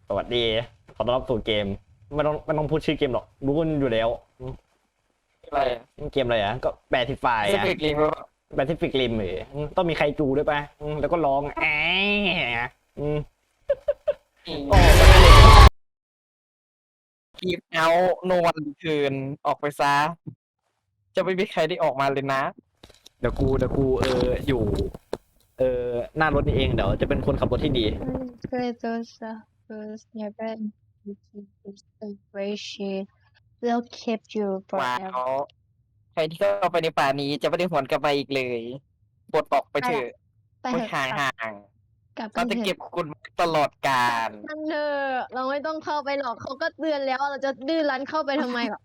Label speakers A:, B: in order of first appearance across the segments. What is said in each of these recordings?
A: สวัสดีขอต้อนรับสู่เกมไม่ต้องพูดชื่อเกมหรอกรู้กันอยู่แล้ว
B: อะไร
A: เกมอะไรอ่ะก็แปซิฟาย
B: ส
A: อ่ะ
B: ปีดลิงก์
A: แปซิฟิกริมต้องมีใครจูด้วยป่ะแล้วก็ร้องอืมโอ้
B: กีบเอาโนวันคืนออกไปซะจะไม่มีใครได้ออกมาเลยนะ
A: เดี๋ยวกูอยู่หน้ารถนี่เองเดี๋ยวจะเป็นคนขับรถที่ดี
C: Creators first never appreciate will keep you
B: ว้า
C: forever
B: วใครที่เข้าไปในป่านี้จะไม่ได้หวนกลับมาอีกเลยปลดออกไปเถอะ
C: ไป
B: ไป
C: เถอะ
B: ห่าง
C: กลับ
B: ๆเราจะ
C: เถ
B: เก็
C: อะ
B: บคุณตลอดกาล
C: มันเถอะเราไม่ต้องเข้าไปหรอกเขาก็เตือนแล้วเราจะดื้อรั้นเข้าไปทำไมหรอ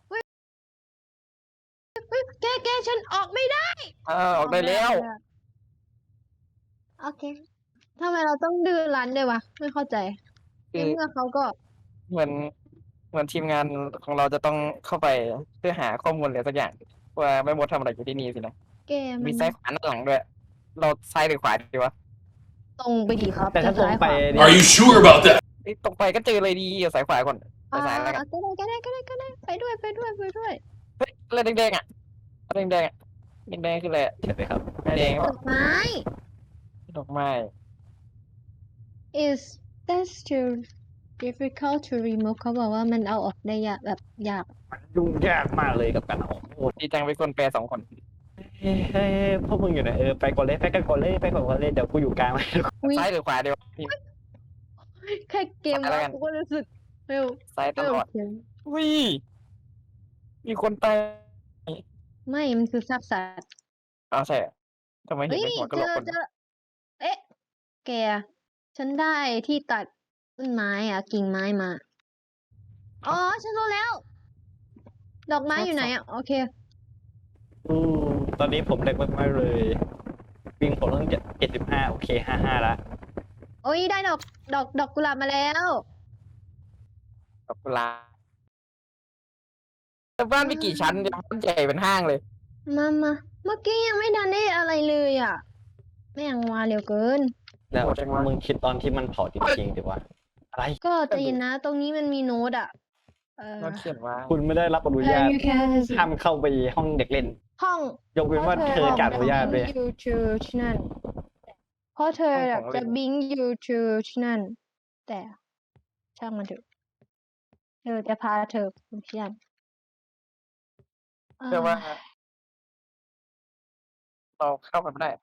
C: แกฉันออกไม่ได้
B: ออกได้แล้ว
C: โอเคทำไมเราต้องดื้อรั้นด้วยวะไม่เข้าใจใน
B: คือ
C: เมื่อเขาก็
B: เหมือนเหมือนทีมงานของเราจะต้องเข้าไปเพื่อหาข้อมูลอะไรสักอย่างว่าแม่มดทำอะไรอยู่ที่นี่สินะ
C: แกมั
B: มี
C: น
B: ซ้ายขวาหน้าหลังด้วย เราซ้ายหรือขวาดีวะ
C: ตรงไปดีครับ
A: แต่ถ้าตรงไป
C: จะซ้ยขว
A: เนี่ย
D: Are you sure about that?
B: ตรงไปก็เจอเลยดีสายขวาก่อนไป
C: อ่า
B: ซ้ายแล้วกัน
C: ก็ได้ไปด้วย
B: เฮ้ยอะไรแดงๆอ่ะอะไรแดงๆอ่ะแดงๆคืออะไรอะ
A: เห็นไหมครับ
B: แดง
C: ดอกไม้
B: ดอกไม้
C: is that's too difficult to remove เขาบอกว่ามันเอาออกได้ยากแบบยาก
A: ยุ่งยากมากเลยกับการเอาโอ้
B: ดีจังเป็นคนแปล2 คน
A: เฮ้ยพวกมึงอยู่ไหนไปก่อนเลยเดี๋ยวกูอยู่กลาง
C: อุ๊ย
B: ซ้ายหรือขวาเดียวนี่
C: แค่เกม
B: ไปแล้วกัน
C: กูก็รู้สึกเร็ว
B: ซ้ายตลอด
C: เร็ว
B: วิมีคนตาย
C: ไม่มันคือซากสัตว์
B: อ้าวใช่เหรอทำไมเห็น
C: เฮ้ย
B: เป็นหัวกะ
C: เจ
B: โหลก
C: อ
B: คน
C: เจอเอ๊ะแกฉันได้ที่ตัดต้นไม้อ่ะกิ่งไม้มาอ๋อฉันรู้แล้ว ดอกไม้อยู่ไหนอ่ะโอเค
A: อืมตอนนี้ผมเล็กมากๆเลยวิ่งผมต้อง75โอเค55ละ
C: โอ้ยได้ดอกกุหลาบมาแล้ว
B: ดอกกุหลาบแต่บ้านมีกี่ชั้นเนี่ยบ้านใหญ่เป็นห้างเลย
C: มาเมื่อกี้ยังไม่ทันได้อะไรเลยอ่ะแม่งมาเร็วเกิน
A: แล้ว
B: โหดจังวะ
A: มึงคิดตอนที่มันเผาจริงๆดิวะอะไร
C: ก็ใจเย็นนะ ตรงนี้มันมีโน้ตอ่ะ
B: เราเขียนว่า
A: คุณไม่ได้รับอนุญาต
C: you can
A: ห้ามเข้าไปห้องเด็กเล่น
C: ห้อง
A: ยกเว้นว่าเธอจะอนุญาตด้วย
C: อยู่ที่นั่นเพราะเธอแบบจะบิงอยู่ที่นั่น แต่ช่างมันเถอะเธอจะพาเธอไปที่นั่น
B: เชื่อว่า เราเข้าไปไม่ได้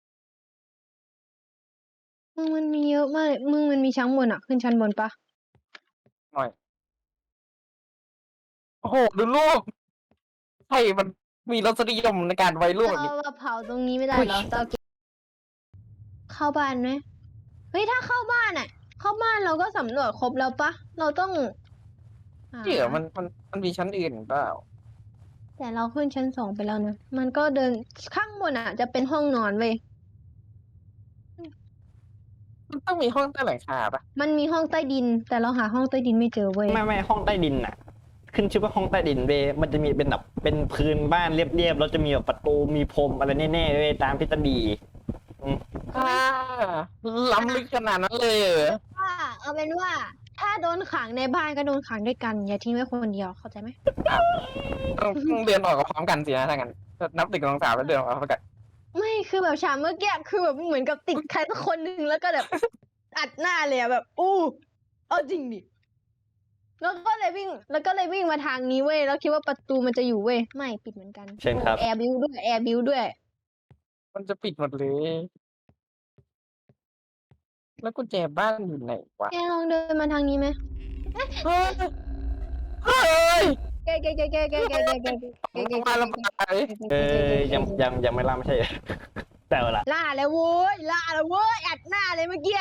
C: มึงมันมีเยอะมากเลยมึงมันมีชั้นบนอ่ะ ขึ้นชั้นบนปะ
B: หน่อย โอ้โห ดูรูปใช่มันมีรสนิยมในการไว้รูปแบบ
C: เรา
B: นี้
C: เผาตรงนี้ไม่ได้เหรอเราเก็บเข้าบ้านไหมเฮ้ยถ้าเข้าบ้านอ่ะ เข้าบ้านเราก็สำรวจครบแล้วปะเราต้องหา
B: เดี๋ยวมันมีชั้นอื่นเปล่า
C: แต่เราขึ้นชั้น 2ไปแล้วนะ มันก็เดินข้างบนอ่ะ จะเป็นห้องนอนเว้ย
B: มันต้องมีห้องใต้หลังคาปะ
C: มันมีห้องใต้ดิน แต่เราหาห้องใต้ดินไม่เจอเว้ย
A: ไม่ห้องใต้ดินน่ะ ขึ้นชื่อว่าห้องใต้ดินเว้ยมันจะมีเป็นแบบเป็นพื้นบ้านเรียบๆแล้วจะมีแบบประตูมีพรมอะไรแน่ๆเว้ยตามทฤษฎี
B: ล้ำลึกขนาดนั้นเลยเหรอ
C: ว่าเอาเป็นว่า ถ้าโดนขังในบ้านก็โดนขังด้วยกัน อย่าทิ้งไว้คนเดียวเข้าใจไหม
B: ต้องเดินออกกับพร้อมกันสินะถ้างั้นนับ1 2 3แล้วเดินออกพร้อมกัน
C: ไม่คือแบบฉากเมื่อกี้คือแบบเหมือนกับติดใครสักคนหนึ่งแล้วก็แบบ อัดหน้าเลยอะแบบ อู้เอาจริงดิแล้วก็เลยวิ่งมาทางนี้เว้ยแล้วคิดว่าประตูมันจะอยู่เว้ยไม่ปิดเหมือนกัน
A: เช่นครับ
C: แอร์บิวด้วย
B: มันจะปิดหมดเลย แล้วกุญแจบ้านอยู่ไหนวะ
C: แกลองเดินมาทางนี้ไหม
B: เฮ้ยเฮ้ย
C: แก
B: มาแล้วมา
A: ยังไม่ล่าไม่ใช่ แต่เอาละ
C: ล่าแล้วเว้ยอัดหน้าเลยเมื่อกี้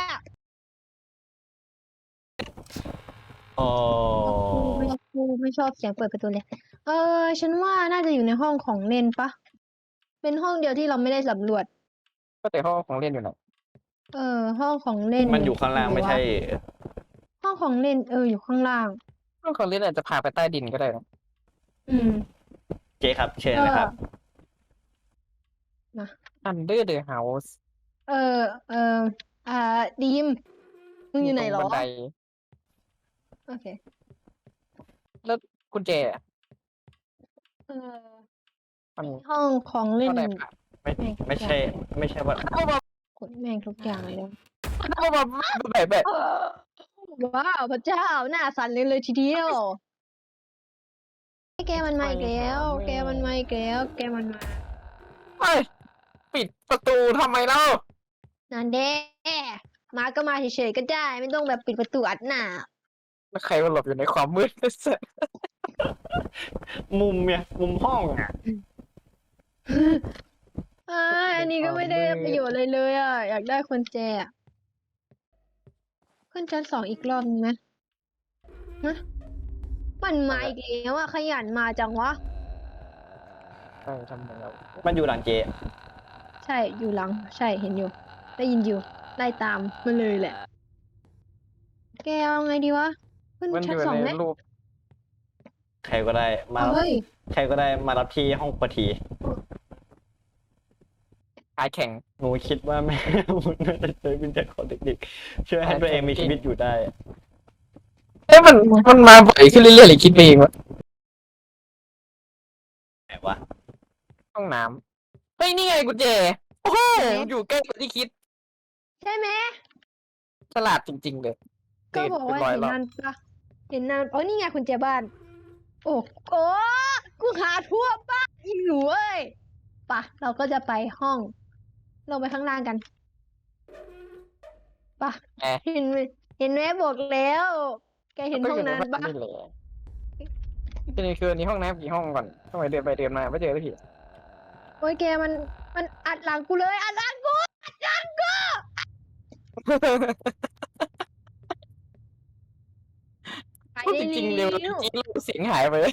A: อ๋อ
C: กูไม่ชอบเสียงเปิดประตูเลย ฉันว่าน่าจะอยู่ในห้องของเล่นปะเป็นห้องเดียวที่เราไม่ได้สำรวจ
B: ก็แต่ห้องของเล่นอยู่ไหน
C: ห้องของเล่น
A: มันอยู่ข้างล่างไม่ใช่
C: ห้องของเล่นอยู่ข้างล่าง
B: ห้องของเล่นอาจจะพาไปใต้ดินก็ได้นะ
C: อืม
A: เจ๊ครับเชิญนะครับ
B: Under the House
C: ดีมมึงอยู่ไหนเหรอ
B: บันได
C: โอเค
B: แล้วกุญแจอะ
C: เออ
B: มัน
C: ห้องของเล่
B: ก็
C: น
B: ได้ผ่าน
A: ไม่ใช่ไม่ใช่ว่า
C: กดแม่งทุกอย่างเลยนะ
B: แบบ
C: ว้าวพระเจ้าหน้าสั่นเลยทีเดียวแกมันมาอีกแล้ว แกมันมาอีกแล้ว แกมันมา
B: เฮ้ยปิดประตูทำไมเล่า
C: นั่นเด้มาก็มาเฉยๆก็ได้ ไม่ต้องแบบปิดประตูอัดหน้า
B: แล้วใครมาหลบอยู่ในความมืด
A: มุมเนี่ยมุมห้องอ่ะ
C: อันนี้ก็ไม่ได้ประโยชน์เลยเลยอ่ะ อยากได้กุญแจอะขึ้นชั้น2อีกรอบนึงไหมฮะมันมาอีกแล้วอ่ะ ขยันมาจังวะ
B: ทำไมเรา
A: มันอยู่หลังเจ
C: ใช่อยู่หลัง ใช่เห็นอยู่ ได้ยินอยู่ไล่ตามมาเลยแหละ แกเอาไงดีวะ ขึ้น
B: มันอ
C: ชั้น
B: ยู่
C: สอง
B: ใน
C: ไหม
B: รูป
A: ใครก็ได้มา
C: เอาเฮ้ย
A: ใครก็ได้มารับที่ห้องปฐี
B: ขายแข่ง
A: หนูคิดว่าแม่ มันน่าจะใช้วิญญาณของเด็กๆช่วยให้ตัวเองมีชีวิตอยู่ได้
B: เอ้ยมันมาบ่อยขึ้นเรื่อยๆหรือคิดไปเองวะ
A: ไหนวะ
B: ห้องน้ำเฮ้ยนี่ไงกุญแจโอ้โหอยู่ใกล้กว่าที่คิด
C: ใช่ไหม
B: ฉลาดจริง ๆ เลย
C: ก็บอกว่า
B: ตื่
C: เห็น
B: รอบ
C: นานปะเห็นนานอ๋อนี่ไงคุณเจบ้าน โอ้โอ้กูหาทั่วบ้านอีหนูเอ้ยปะเราก็จะไปห้อง ลงไปข้างล่างกันปะ
B: แอะ
C: เห็นไหมเห็นไหมบอกแล้ว แกเห็นห้องนั้น
B: ก็
C: ปะ
B: ยู่ใบ้านี่แหละทีนี้คือนี่ห้องน้ำกี่ห้องก่อนทำไมเดินไปเดินมาไม่เจอสักที
C: โอ้ยแกมันอัดหลังกูเลยอัดหลังกูอัดหลังกูไป
B: พูด
C: ได้
B: จริงๆเร็ว
C: แล้
B: จ
C: ว
B: ริงๆเสียงหายไป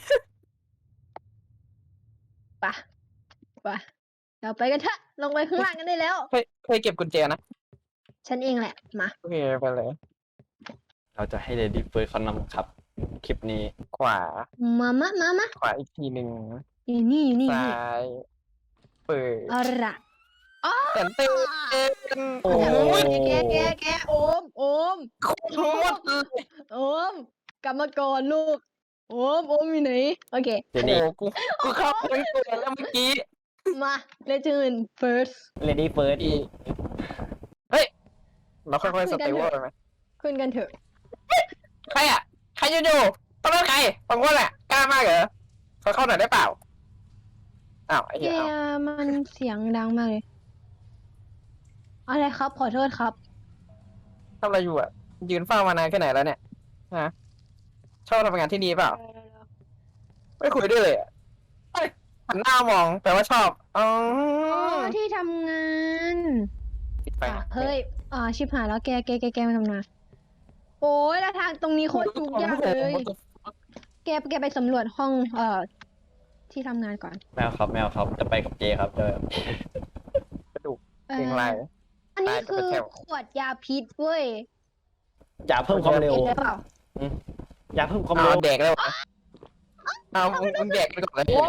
C: ปะเราไปกันเถอะลงไปข้างล่างกันได้แล้ว
B: เคยเก็บกุญแจนะ
C: ฉันเองแหละมา
B: โอเคไปเลย
A: เราจะให้เลดี้เฟิร์สเขานำครับ คลิปนี้
B: ขวา
C: มา
B: ขวาอีกทีหนึ่ง
C: นี่
B: ซ้าย เปิด
C: เอาละอ๋อ
B: แต่เต้น
A: โอ้
C: แกโอม
B: โคตร
C: โอมกลับมาก่อนลูก โอมอยู่ไหน โอเค
A: เดี๋ยว
B: โอ้
A: นี้
B: กูเข้าไปทั้งตัวแล้วเมื่อกี้
C: มาเลเจน first
A: เลดี้เฟิร์ส
B: อีเฮ้ย เราค่อยๆสเตเวอร์ไปไหม
C: ขึ้นกันเถอะ
B: ใครอ่ะ ใครอยู่ๆต้องเป็นใครบางคนแหละกล้ามากเหรอเขาเข้าหน่อยได้เปล่า อ้าวไอ้
C: แก
B: เหี้ยเอา
C: มันเสียงดังมากเลย อะไรครับ ขอโทษครับ
B: ทำอะไรอยู่อ่ะ ยืนเฝ้ามานานแค่ไหนแล้วเนี่ยฮะชอบทำงานที่นี่เปล่า ไม่คุยด้วยเลยอะเฮ้ยหันหน้ามองแปลว่าชอบอ๋อ
C: ที่ทำงาน
B: ปิดไฟนะ
C: เฮ้ยชิบหายแล้วแกมาทำงานโอ้ยแล้วทางตรงนี้โคตรยุ่งยากเลย แกไปสำรวจห้องที่ทำงานก่อน
A: แมวครับจะไปกับเจครับจะ
B: กระดูก
C: เอ่
B: เพลง
C: อ
B: ลาย
C: อันนี้
B: ตายกับ
C: คือ
B: แถว
C: ขวดยาพิษเว้ย
A: อย่าเพิ่มความเร็ว
C: เห็นเปล่า
A: อย่าเพิ่มความ
B: เอา
A: เร็ว
B: แดกแล้วเหรอเอามึงแดกไปก่อนเลย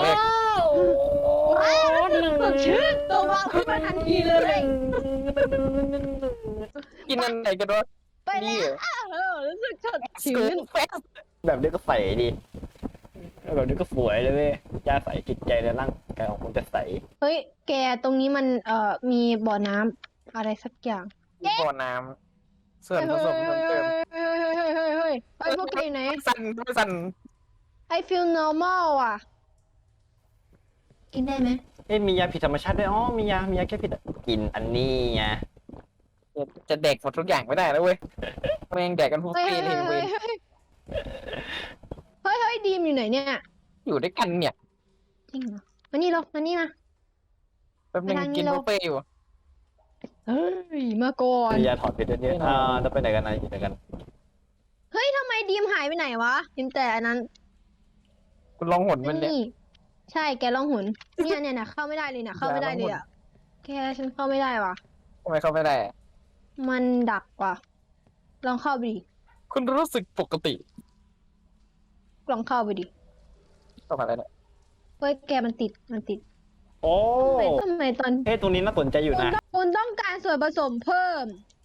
C: สดชื่นตัววาวขึ้นมาทันทีเลย
B: กินอันไหนกันวะ
C: ไป
B: นี่
C: แล้วรู้สึกสด
B: สกู
C: ชื่น
B: แฟส
A: แบบนี้ก็ใสดีแบบนี้ก็สวยเลยเว้ยยาใสจิตใจและร่างกายของคุณจะใส
C: เฮ้ย แกตรงนี้มันมีบ่อน้ำอะไรสักอย่าง
B: บ่อน้ำส่วนผสมเพิ่มเติม
C: เฮ้ยพวกแกอยู่ไหน
B: สั่น
C: I feel normal อ่ะ กินได้ไหม
A: มียาผิดธรรมชาติด้วยอ๋อมียาแค่ผิดกินอันนี้ไง
B: จะแดกหมดทุกอย่างไม่ได้แล้วเว้ยแม่งแดกกันทุก
C: เฮ้ย
B: ปีเลยเว้ย
C: เฮ้ยดีมอยู่ไหนเนี่ย
B: อยู่ด้วยกันเนี่ย
C: จริงเหรอมานี่เรามานี่มา
B: แป๊บนึง
C: ไปทางนี้
B: กิน
C: เรา
B: บุฟเฟ่ต์อยู่
C: เฮ้ย มาก่อน
A: มียาถอดพิษด้วยเนี่ยจะไปไหนกันอยู่ไหนกัน
C: เฮ้ยทำไมดีมหายไปไหนวะดีมแต่อันนั้น
B: คุณลองหนมันเนี่ย
C: นี่ ใช่ แกลองหุนเนี่ยนะเข้าไม่ได้เลยนะเข้าไม่ได้เลยอ่ะ แกฉันเข้าไม่ได้ว่ะ
B: ทำไมเข้าไม่ได้อะ
C: มันดักว่ะ ลองเข้าไปดิ
B: คุณรู้สึกปกติ
C: ลองเข้าไปดิ
B: เข้ามาแล้วเนี่ย
C: เฮ้ย แกมันติด
A: โอ้
C: ทำไมตอน
A: เฮ้ยตรงนี้น่าสนใจอยู่นะ
C: คุณต้องการส่วนผสมเพิ่ม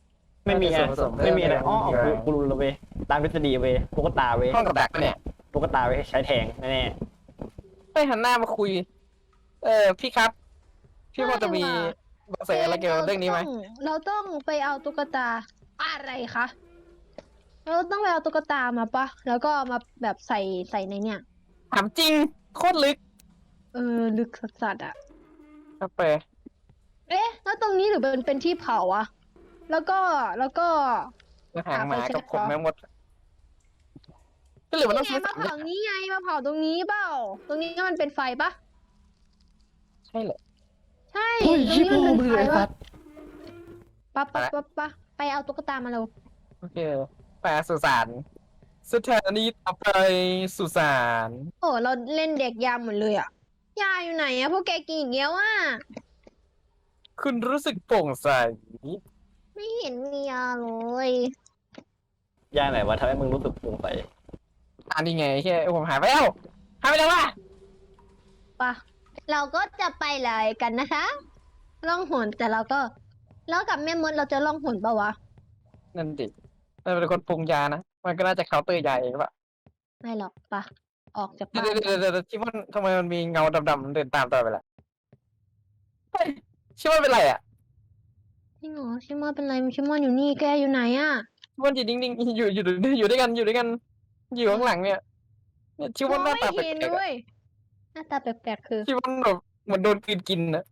A: ไม่มีอะไร
B: ส่วนผสม
A: ไม่มีอะไรอ๋อ
B: ไม่มีอะไร
A: กูรู้แล้วเว้ยตามทฤษฎีเว้ยตุ๊กตาเว้ย
B: ห้องกับดักปะเนี่ย
A: ตุ๊กตาเว้ยใช้แทงแน่
B: ไม่หันหน้ามาคุย พี่ครับ พี่พอจะมีเบาะแสอะไรเกี่ยวกับเรื่องนี้ไหม
C: เราต้องไปเอาตุ๊กตาอะไรคะเราต้องไปเอาตุ๊กตามาปะแล้วก็เอามาแบบใส่ในเนี่ย
B: ถามจริง โคตรลึก
C: ลึกสัสๆอ่ะ
B: ครับไป
C: เอ๊ะ แล้วตรงนี้หรือเป็นที่เผาอะแล้วก็
B: หางหมากับผมแม่งหมด ก็เหลือมันต้อง
C: นี่ไง
B: ซื้อ
C: มา
B: สามอย่าง
C: เผานี้ไงมาเผาตรงนี้เปล่า ตรงนี้มันเป็นไฟปะ
B: ใช่เหรอ
C: ใช่
A: ๆเฮ้ย
C: ตรง
A: ชิบ
C: นี้
A: โอ
C: มัน
A: มื
C: เป็น
A: อ
C: ไฟ
A: ไอ้สั
C: ปะ
A: ตว์
C: ปะไปเอาตุ๊กตามาเร็ว
B: โอเคไปสุสานสถานีต่อไปสุสาน
C: โอ้เราเล่นเด็กยามหมดเลยอะยาอยู่ไหนอะพวกแกกินอีกแล้วอะ
B: คุณรู้สึกโปร่งใส
C: ไม่เห็นมียาเลย
A: ย่าไหนวะทำให้มึงรู้สึกสงสัย
B: อันนี้ไงแค่ผมหายไปแล้วหายไปแล้ววะ
C: ปะเราก็จะไปเลยกันนะคะล่องหนแต่เราก็แล้วกับแม่มดเราจะล่องหนปะวะ
B: นั่นดิมันเป็นคนปรุงยานะ มันก็น่าจะเคาน์เตอร์ยาเองปะ
C: ไม่หรอกปะออกจาก
B: เดี๋ย
C: บ้า
B: วน เดี๋ยวชิมอนทำไมมันมีเงาดำๆเดินตามตลอดเวลาเฮ้ยชิมอนเป็นไรอ่ะ
C: พี่หนูชิมอนเป็นไรชิมอนอยู่นี่แกอยู่ไหนอะ
B: ชิมอนอยู่นิ่งๆอยู่ด้วยกันอยู่อยู่ข้างหลังเนี่ยชิมอนหน้าตาแปล
C: ไม่เห็น
B: กๆ
C: ด้
B: อะ
C: วยหน้าตาแปลกๆคือ
B: ชิมอนแบบเหมือนโดนกลืนกินนะ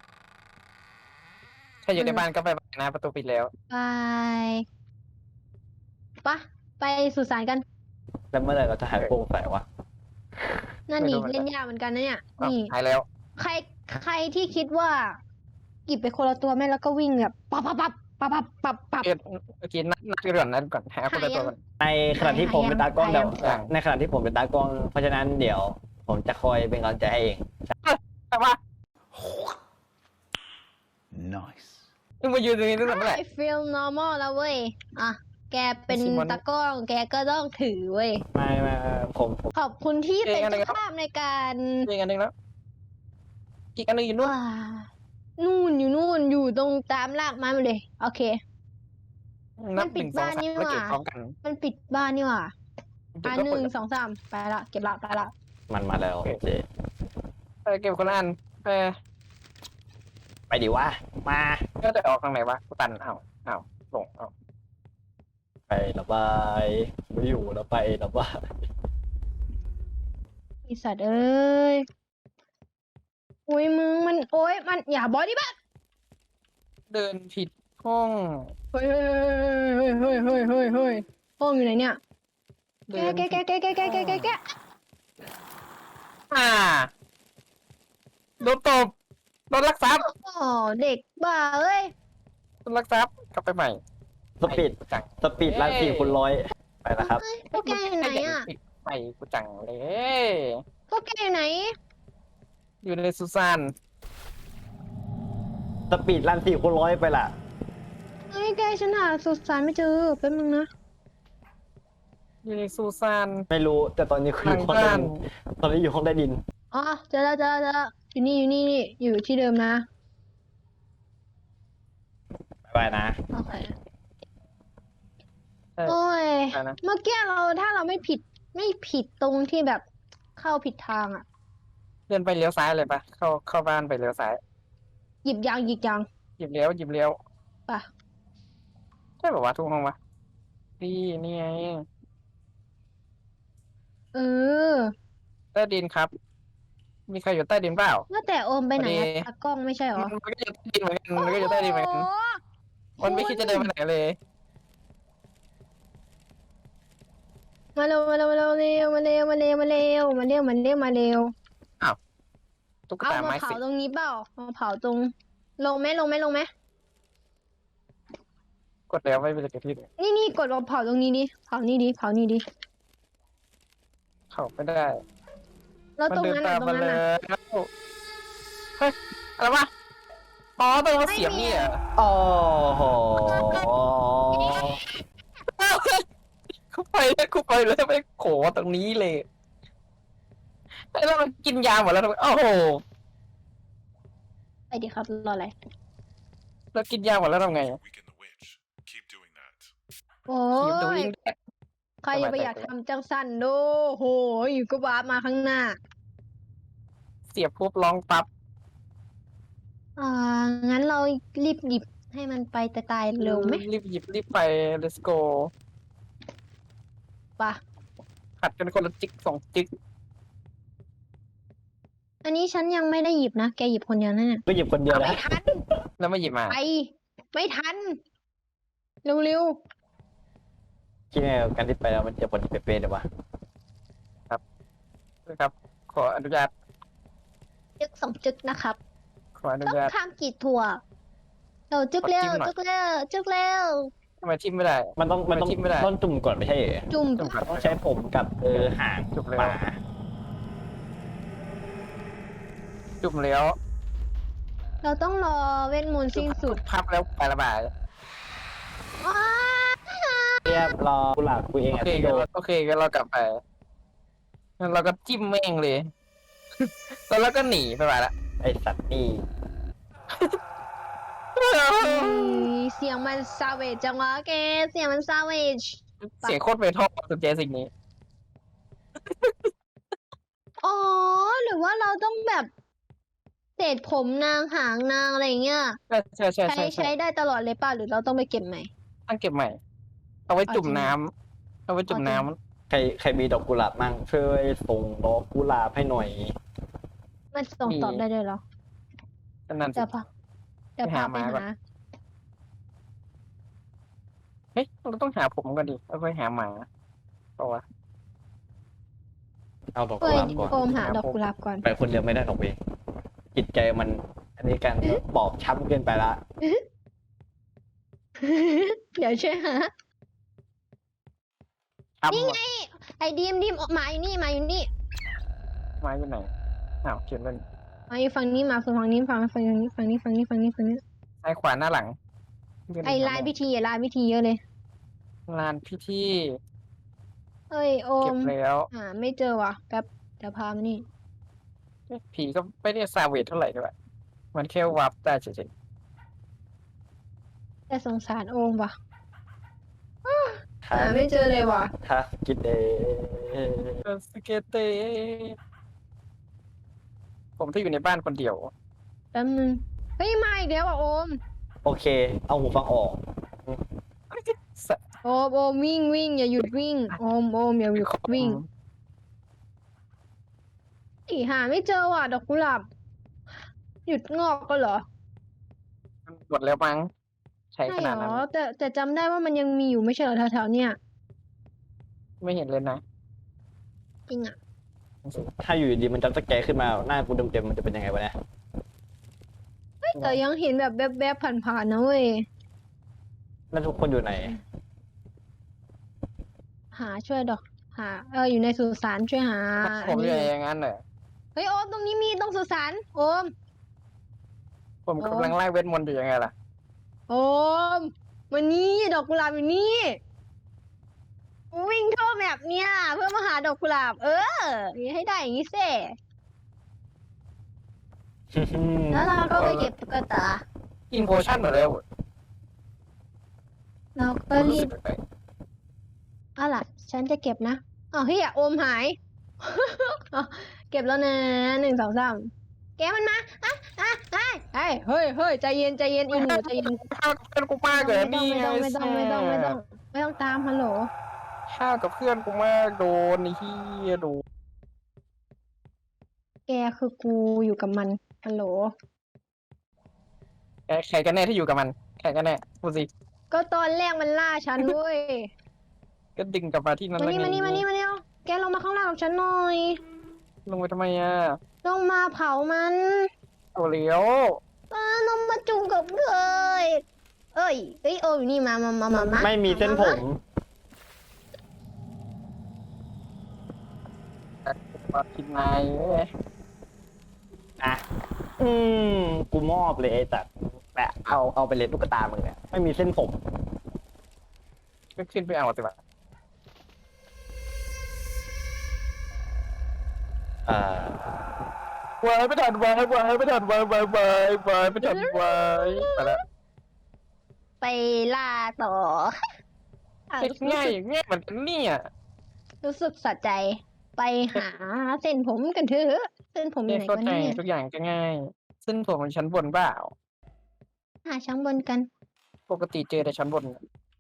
B: ถ้าอยู่ในบ้านก็ไปนะประตูปิดแล้ว
C: ไปปะไปสุสานกัน
A: แล้วเมื่อไหร่เราจะหายโปร่งใสวะ
C: นั่น
B: ไม่
C: นี่
B: รู้เหมือนกัน
C: เล่นยากเหมือนกันนะเนี่ย
B: อ้าว
C: นี่
B: หายแล้ว
C: ใครที่คิดว่าหยิบไปคนละตัวแม่แล้วก็วิ่งแบบปับ
B: โอเคนัดกันก่อนหาคนละตัวก่อน
A: ในขณะที่ผมเป็นตากล้อง
C: หา
A: เดี๋ยว
B: ยัง
A: ในขณะที่ผมเป็นตากล้อง เพราะฉะนั้นเดี๋ยว ผมจะคอยเป็นกำลังใจให้เอง
B: แต่ว่า
D: Nice.
B: มึงมายืนตรงนี้ตั้งแต่เมื่อไหร่
C: I feel normal แล้วเว้ยอ่ะแกเป็น
B: ชิมอน
C: ตากล้องแกก็ต้องถือเว้ย
A: ไม่ผม
C: ขอบคุณที่เป็น
B: อะไร
C: เจ้า
B: ครับ
C: ภาพในการ
B: อีกอันหนึ่งแล้วอีกอันหนึ่งอยู่นู่น
C: ว้านู่นอยู่ตรงตามรากไม้มาเลย โอเค
B: นับ
C: มันปิ
B: ห
C: ด
B: นึ่งสอง
C: บ้าน
B: สาม
C: นี่
B: แล้วเก็บ
C: หว่า
B: พร้อมกัน
C: มันปิดบ้านนี่หว่า
B: เก็บ
C: อ่ะ
B: ก็
C: ห
B: เปิ
C: นึ่
B: ด
C: งสองสามไปละเก็บละ
A: มันมาแล้วเจ
B: เก็บคนละอัน
A: ไปดิวะ มา
B: ก็จะออกทางไหนวะกูตันเอาลงเอา
A: ไประบายไม่อยู่แล้วไประบาย
C: ไอสัตว์เอ้ยโอ้ยมึงมันโอ้ยมันอย่าบอดี้บ้า
B: เดินผิดห้อง
C: เฮ้ยห้องอยู่ไหนเนี่ย
B: เดิน
C: แก
B: โดนตบโดนลักทรัพย์
C: อ๋อเด็กบ้าเอ้ย
B: โดนลักทรัพย์กลับไปใหม่
A: สปีด
B: จัง
A: สปีดลัน4x100ไปแล้วครับ
C: เฮ้ยพวกแกอยู่ไหนอ่ะ
B: ไปกูจังเลย
C: พวกแกอยู่ไหน
B: อยู่ในสุสาน
A: สปีดลัน4x100ไปละ
C: เฮ้ยแกฉันหาสุสานไม่เจอแป๊บนึงนะ
B: อยู่ในสุสาน
A: ไม่รู้แต่ตอนนี้คืออยู่ห้องใต้ดินตอนนี้อยู่ห้องใต้ดิน
C: อ๋อเจอแล้วอยู่นี่อยู่ที่เดิมนะ
A: ไปนะ
C: โอเคโอ้ย
B: อะไรนะ
C: เมื่อกี้ถ้าเราไม่ผิดตรงที่แบบเข้าผิดทางอ่ะ
B: เดินไปเลี้ยวซ้ายเลยปะเข้าบ้านไปเลี้ยวซ้าย
C: หยิบยาง
B: หยิบเลี้ยว
C: ป่ะ
B: ใช่แบบว่าทุกห้องวะนี่ไง
C: เออ
B: ใต้ดินครับ มีใครอยู่ใต้ดินเปล่า
C: ว่าแต่โอมไปไหนอะ
B: พอดี
C: ตากล้องไม่ใช่เหรอ
B: มันก็อยู่ใต้ดินเหมือนกันมันก็อยู่ใต้ดินเหมือนกัน
C: โอ้โห
B: มันไม่คิดจะเดินไปไหนเลย
C: มาเร็วตุ๊ก
B: เอา
C: ตา
B: มา
C: ไม้
B: เผา
C: สิตรงนี้เปล่ามาเผาตรงลงไหม
B: กดแล้วไม่เป็นไรกับที่เลย
C: นี่กดลงเผาตรงนี้ดิเผานี่ดิ
B: เข้าไม่ได้
C: แล้ว
B: มัน
C: ตรง
B: เดิน
C: นั้น
B: ตามมา
C: น่ะ
B: แล้วเฮ้ยอะไรวะอ๋อตรงเสียบนี่เหรอ
A: โอ้โห
B: กูไปแล้วไปโขตรงนี้เลยแล้วมันกินยาหมดแล้วทำไมโอ้โห
C: ไปดิครับรออะไร
B: เรากินยาหมดแล้วทำไง
D: Weaken the witch. Keep doing
C: โอ้
B: ขีบตัว
C: ย
B: วิ่งแดด
C: ใครจะไปอยากทำจังสันโดโหอยู่ก็วาร์ปมาข้างหน้า
B: เสียบปุ๊บร้องปั๊บ
C: งั้นเรารีบหยิบให้มันไปแต่ตายเร็วไหม
B: รีบหยิบรีบไป let's go
C: ปะ
B: ผัดกันคนละจิก2 จิก
C: อันนี้ฉันยังไม่ได้หยิบนะ แกหยิบคนเดียวนั่นน่ะ
A: ก็หยิบคนเดียว
C: ไม่
A: นะ
C: ทัน
B: แล้วมาหยิบมา
C: ไป ไม่ทัน เร็ว
A: คิดไงกับการที่ไปแล้วมันจะผลเป๊ะๆเลยวะ
B: นะครับ ขออนุญาต
C: ๆจึก2 จึกนะครับ
B: ขออนุ
C: ต้อง
B: ญาต
C: ข้ามกีดถั่วเราจึกเร็ว
B: ขอจิ้มหน่อย
C: จึกเร็วจึกเร็ว
B: ทำไมทิมไม่ได้
A: มันต้อง
B: จิ้มไม่ได้
A: ต้นจุ่มก่อนไม่ใช่เหรอ
C: จุ่ม
B: จุ่มก่อน
A: ต้องใช้ผมกับหาง
B: จุ่มเลย
A: หมา
B: จุ่มแล้ว
C: เราต้องรอเวทมนต์สิ้นสุด
B: พับแล้วไประบาย
C: อ้า
A: เรียบรอกุหลาบกูเอง
B: โอ
A: อ่ะ
B: เค
A: พี่โด
B: โอเคก็เรากลับไปงั้นเราก็จิ้มแม่งเลย แล้วเราก็หนีไปละ
A: ไอสัตว์นี่
C: เสียงมันซาเวจจังวะแก เสียงมันซาเวจ
B: เสียงโคตรเมทัลสนใจสิ่งนี้
C: อ๋อ หรือว่าเราต้องแบบเศษผมนางหางนางอะไรอย่างเงี้ย
B: ใช่ใช่
C: ใช้
B: ใช่ใช่
C: ใช้ได้ตลอดเลยป่ะ หรือเราต้องไปเก็บใหม่
B: ต้องเก็บใหม่ เอาไว้จุ่ม
C: เอาจริง
B: น้ำเอาไว้จุ่มน้ำ
A: ใครมีดอกกุหลาบมั่งช่วยส่งดอกกุหลาบให้หน่อย
C: มันส่งตอบได้ด้วยเหรอ
B: นั่นสิ
C: เดี๋ยวพาเดี๋ยวพาไป
B: ไปหามาก่อน
C: หา
B: เฮ้ยเราต้องหาผมก่อนดิแล้วค่อยหาหมาเพราะว่า
A: เอาดอก
C: เฮ้
A: กุ
C: ย
A: หลาบก่อน
C: โอมหาดอกกุหลาบก่อน
A: ไปคนเดียวไม่ได้หรอกเว้ยจิตใจมัน อันนี้การบอบช้ำเกินไปละ
C: เดี๋ยวช่วยหา
B: ทำ
C: นี่ไง ไอ้ดีมหมาอยู่นี่หมาอยู่นี่
B: มาอยู่ไหนอ้าวเขียนเลย
C: หมาอยู่ฝั่งนี้หมาฝั่งนี้ฝั่งนี้ฝั่งนี้ฝั่งนี้ฝั่งนี้ฝั่งนี้
B: ซ้ายขวาหน้าหลัง
C: ไอ้ลานพิธีอะลานพิธีเยอะเลย
B: ลานพิธี
C: เอ้ยโอ
B: เก็
C: ม
B: บแล้ว
C: ไม่เจอว่ะแป๊บเดี๋ยวพามานี่
B: ผีก็ไม่ได้ซาเวทเท่าไหร่ด้วยมันแค่วับได้เฉย
C: แต่สงสารโอมว่ะ
A: ถ้า
C: ไม่เจอเลยว่ะ
A: ถ้าคิดเอง
B: ๆสเกตเตผมถ้าอยู่ในบ้านคนเดียว
C: แป๊บนึงเฮ้ยมาอีกแล้วอ่ะโอม
A: โอเค เอาหูฟังออก
C: โอมวิ่งอย่าหยุดวิ่งโอมอย่าหยุดวิ่งอีหาไม่เจอว่ะดอกกุหลาบหยุดงอกก็เหรอ
B: มันหมดแล้วมั้งใช้
C: ใช่
B: ข
C: เหร
B: นาดนั้น
C: อแต่จำได้ว่ามันยังมีอยู่ไม่ใช่เหรอแถวๆเนี่ย
B: ไม่เห็นเลยนะ
C: จริงอ่ะ
A: ถ้าอยู่ดีๆมันจำสแกร์ขึ้นมาหน้ากูเต็มๆมันจะเป็นยังไงวะเนี่ย
C: แต่ยังเห็นแบบแบบผ่านๆนะเว้ย
A: แล้วทุกคนอยู่ไหน
C: หาช่วยดอกหาอยู่ในสุสานช่วยหา
B: ผม
C: อัน
B: อยู่
C: นี้
B: อย่างนั้นเหรอ
C: เฮ้ยโอมตรงนี้มีตรงสุสานโอม
B: ผมกำลังไล่เวทมนต์อยู่ยังไงล่ะ
C: โอมวันนี้ดอกกุหลาบอยู่นี่วิ่งทั่วแมปเนี่ย เพื่อมาหาดอกกุหลาบ อย่าให้ได้อย่างนี้เซ่แล้วเราก็ไปเก็บตุ๊กตา
B: อินโพชั่นหมดแล้ว
C: เราก็
B: รู้
C: รี
B: สึ
C: บ
B: กแปลก
C: เอาล่ะ ฉันจะเก็บนะอ้าวเฮียโอมหาย เก็บแล้วนะ1 2 3แกมันมาเฮ้ยใจเย็นอีหนูใจเย็น
B: ข้าวกับเพื่อนกูมากเลยนี่ไง
C: ไม่ต้องตามฮัลโหล
B: ข้าวกับเพื่อนกูมากโดนไอ้เหี้ยโดน
C: แกคือกูอยู่กับมันฮัลโหล
B: ใครกันแน่ที่อยู่กับมันใครกันแน่พูดสิ
C: ก็ตอนแรกมันล่าฉันเว้ย
B: ก็ดึงกลับมาที่นั่น
C: มา
B: แล้ว
C: นี่
B: ไง
C: มานี่เร็วแกลงมาข้างล่างกับฉันหน่อย
B: ลงไปทำไมอ่ะ
C: ลงมาเผามัน
B: เอาเลี้ยว
C: ลงมาจุ่มกับเลยเอ้ยโออยู่นี่มา
A: ไม่มีเส้นผม
B: มากินนายเว้ย
A: อ่ะ กูมอบเลยไอ้สัตว์แปะเอาไปเลยตุ๊กตามึงเนี่ยไม่มีเส้นผม
B: ก็ขึ้นไปเอาสิวะ
A: อ่า
B: วายไม่ทันวายไม่ทันวายไม่ทันวายไปแล้ว
C: ไปล่าต่อ
B: ง่ายง่ายเหมือนกันเนี่ย
C: รู้สึกสะใจไปหาเส้นผมกันเถอะเส้นผมอยู่ไหน
B: เข้า
C: กัน
B: ใจ
C: เนี่ย
B: ทุกอย่างก็ง่ายซึ่งผมเป็นชั้นบนเปล่า
C: หาชั้นบนกัน
B: ปกติเจอแต่ชั้นบน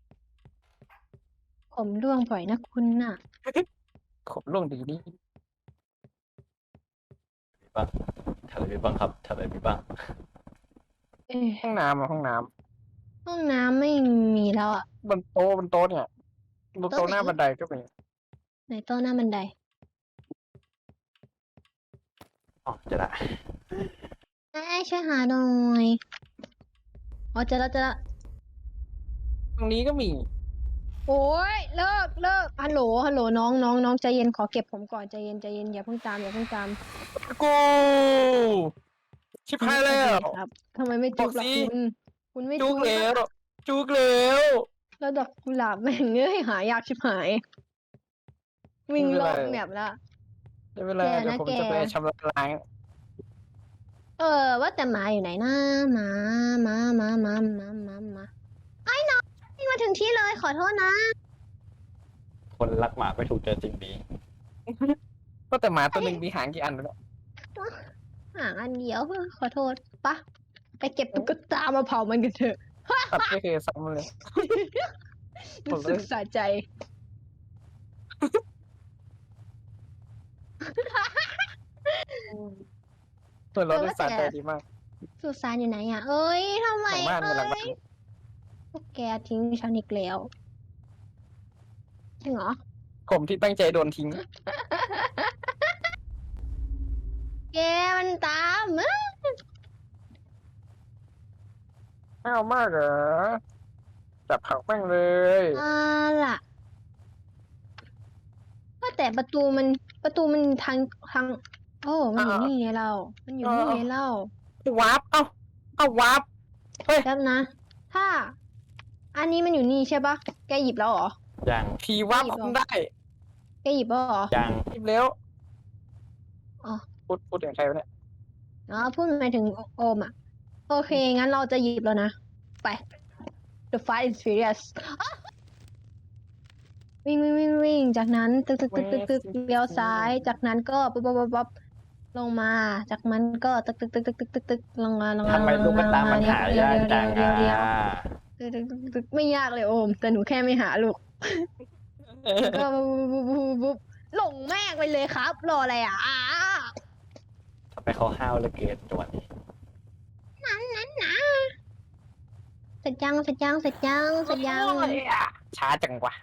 C: ผมร่วงบ่อยนะคุณน่ะ
B: ขบล่วงดีนี่
A: บ้างทำอะไรบ้างครับทำอะไรบ้าง
C: เอ้ย
B: ห้องน้ำอะห้องน้
C: ห้องน้ำไม่มีแล้วอ่ะ
B: ำบนโต๊ะเนี่ยบนโต๊ะหน้าบันไดก็มี
C: ไหนโต๊ะหน้าบันได
A: อ๋อจะได้
C: ช่วยหาหน่อยอ๋อเจอแล้ว
B: ตรงนี้ก็มี
C: โอ้ยเลิกฮัลโหลน้องใจเย็นขอเก็บผมก่อนใจเย็นอย่าเพิ่งตาม
B: กูชิบหายแล้ว
C: ครับทำไมไม่จุกล่ะ
B: บอกสิ
C: คุณไม่
B: จุ
C: จุ
B: ก
C: ก
B: แล้วจุกแล้ว
C: แล้วดอกกุหลาบแม่งเอ้ยหายากชิบหาย วิ่งรอบแมปละ
B: ได้เวลา
C: แกนะ
B: เดี๋ยวผมจะไป
C: แก
B: ชำระล้าง
C: ว่าแต่หมาอยู่ไหนนะหมาไอ้น้องวิ่งมาถึงที่เลยขอโทษนะ
A: คนรักหมาไม่ถูกเจอสิ่งดี
B: ก็แต่หมาตัวหนึ่งมีหางกี่อันแล้ว
C: หางอันเดียวขอโทษปะไปเก็บตุ๊กตามาเผามันกันเถอะ
B: ตัดไม่เคยซ้ำเลย
C: รู้สึกสะใจ
B: ส่วนรถโดยสารใจดีมาก
C: สุสานอยู่ไหนอ่ะ เอ้ยทำไม
B: หลังบ้านหลังบ้าน
C: พวกแกทิ้งฉันอีกแล้วจริงเหรอ
B: ผมที่ตั้งใจโดนทิ้ง
C: แกมันตามอะ
B: อ้าวมากเหรอจับผักแม่งเลย
C: ล่ะว่าแต่ประตูมันทางโอ้มันอยู่นี่ไงเรา มันอยู่นี่ไงเรา
B: วาร์ปเอ้าวาร์ป
C: แป๊บนะ ถ้า อันนี้มันอยู่นี่ใช่ปะแกหยิบแล้วเหรอ
A: ยัง
B: ผีวาร์ปคุมได้
C: แกหยิบแล้วเหรอ
A: ยัง
B: รีบเร็ว
C: อ๋อ
B: พูดถึงใครวะเนี่ย
C: อ๋อพูดหมายถึงโอมอ่ะ โอเค งั้นเราจะหยิบแล้วนะ ไป The Fast and Furious อ๊ะวิ่ง จากนั้นตึกเลี้ยวซ้าย จากนั้นก็ปั๊บลงมา จากนั้นก็ตึกลงมา
A: ทำไมตุ๊กตามันหายากจัง
C: เดี๋ยว
A: อ่ะ
C: ตึกไม่ยากเลยโอม แต่หนูแค่ไม่หาลูก ก็ปุ๊บหลงแม่งไปเลยครับ รออะไรอ่ะ
A: ทำไมเขาห้าวเหลือเกินจังหวะนี้
C: เสร็จยัง
B: ช้าจังวะ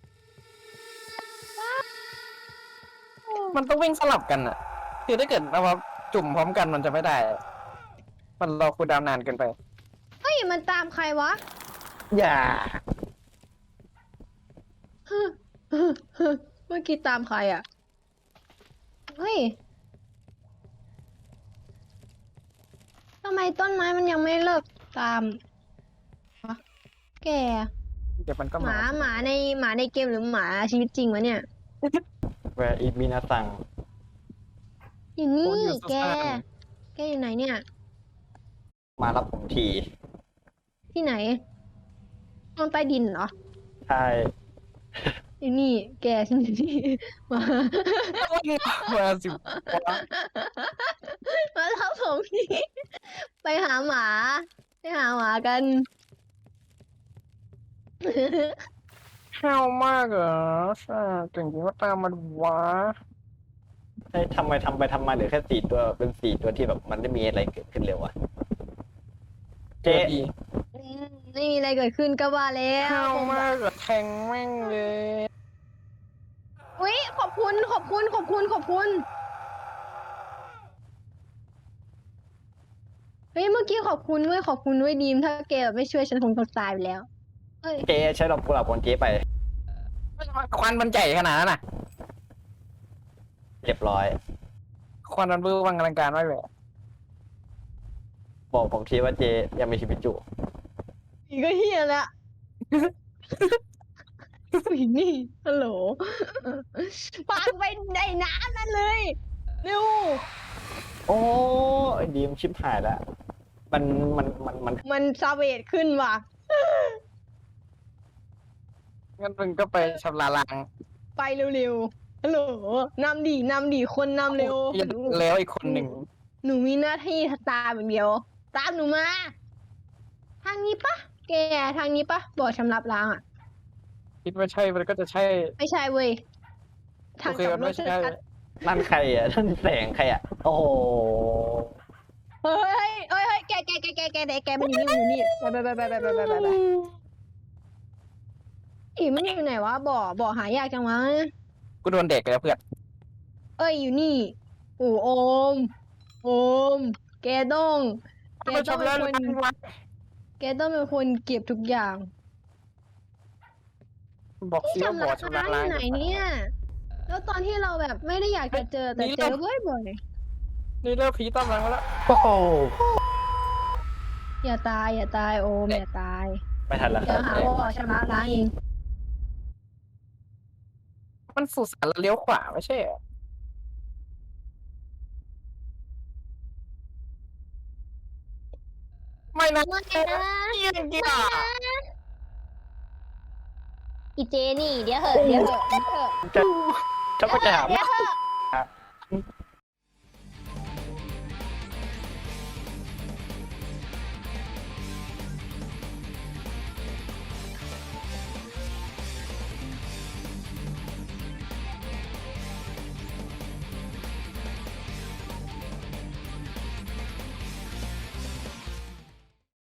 B: มันต้องวิ่งสลับกันอะคือถ้าเกิดเราจุ่มพร้อมกันมันจะไม่ได้ มันรอคูลดาวน์นานเกินไป
C: เฮ้ย มันตามใครวะ
A: อย่า
C: เมื่อกี้ตามใครอ่ะ เฮ้ย ทำไมต้นไม้มันยังไม่เลิกตามวะแก
B: เดี๋ยวมันก็
C: ห
B: มา
C: มาในเกมหรือหมาชีวิตจริงวะเนี่ย
A: แวร์อีมินาซัง
C: อยู่นี่แกอยู่ไหนเนี่ย
A: มารับผมที
C: ที่ไหนห้องใต้ดินเหรอ
A: ใช่
C: อยู่นี่ แกฉันอยู่นี่ มา
B: มาสิวะ
C: มาทับผมนี่ ไปหาหมากัน
B: ห้าวมากเหรอใช่เก่งจริงว่าตามมันวะ
A: เฮ้ยทำไปทำมาเหลือแค่4 ตัวเป็น4 ตัวที่แบบมันไม่มีอะไรเกิดขึ้นเร็วอะเจ๊
B: ดี
C: ไม่มีอะไรเกิดขึ้นก็ว่าแล้ว
B: ห้าวมากเหรอแทงแม่งเลย
C: อุ๊ยขอบคุณ เฮ้ย เมื่อกี้ขอบคุณด้วยดีม ถ้าแกแบบไม่ช่วยฉันคงตายไปแล้ว เฮ้ย
A: เจ๊ใช้ดอกกุหลาบของเจ๊ไป
B: ควันมันใหญ่ขนาดนั้นน่ะ
A: เรียบร้อย
B: ควันมันเบื้อวังอลังการมากเลย
A: บอกผมทีว่าเจ๊ยังมีชีวิตอยู่
C: อีกก็เฮียละอีนี่ฮัลโหลปาไปในน้ำนั่นเลยเร็ว
A: โอ้ยดีมชิบหายแล้วมัน
C: มันซาเวทขึ้นว่ะ
B: งั้นมึงก็ไปชำระล้าง
C: ไปเร็วๆฮัลโหลนำดิคนนำเร็ว
B: แล้วอีกคนหนึ่ง
C: หนูมีหน้าที่ตามอย่างเดียว ตามหนูมา ทางนี้ปะแกทางนี้ปะบ่อชำระล้างอ่ะ
B: คิดว่าใช่มันก็จะใช่
C: ไม่ใช่เว้ย ทาง
B: โอเค
C: กลับ
B: มัน
C: ร
B: ไม่
C: ถ
B: ใช่
C: ชัด
A: นั่นใครอ่ะนั่นแสงใครอ่ะ โอ้โห
C: ๆเฮ้ยแกมันอยู่นี่ไปอีมันอยู่ไหนวะบ่อหายากจังวะ
B: กูโดนเด็กแล้วเพื่อน
C: เอ้ยอยู่นี่โอ้โอม แกต้อง แก
B: มา
C: ต้อง
B: ชำ
C: เป็
B: ระ
C: นคน
B: ล้างวะ
C: แกต้องเป็นคนเก็บทุกอย่าง
B: บอก
C: ที่
B: สิว่า
C: ชำ
B: บ่อ
C: ระ
B: ชำระ
C: ล้างอ
B: ล้าง
C: ยู่ไหนเนี่ย แล้วตอนที่เราแบบไม่ได้อยากจะเจอแต่เจอบ่อย
B: นี่เริ่มผีต้อมหลังแล้ว
A: โอ้โห
C: ๆอย่าตายโอมอย่าตาย
A: ไม่ทันแล้วค
C: เดี๋
A: รั
C: ยว
A: บ
C: หาว่าชำระล้างเอง
B: มันสุสานแล้วเลี้ยวขวาไม่ใช่เหรอไม่นะ
C: ไม่นะ
B: เยี่ยงกี่อ่ะ
C: อีเจนี่เดี๋ยวเหอะ
A: จะก็จะถาม
C: เดี๋ยวเหอะ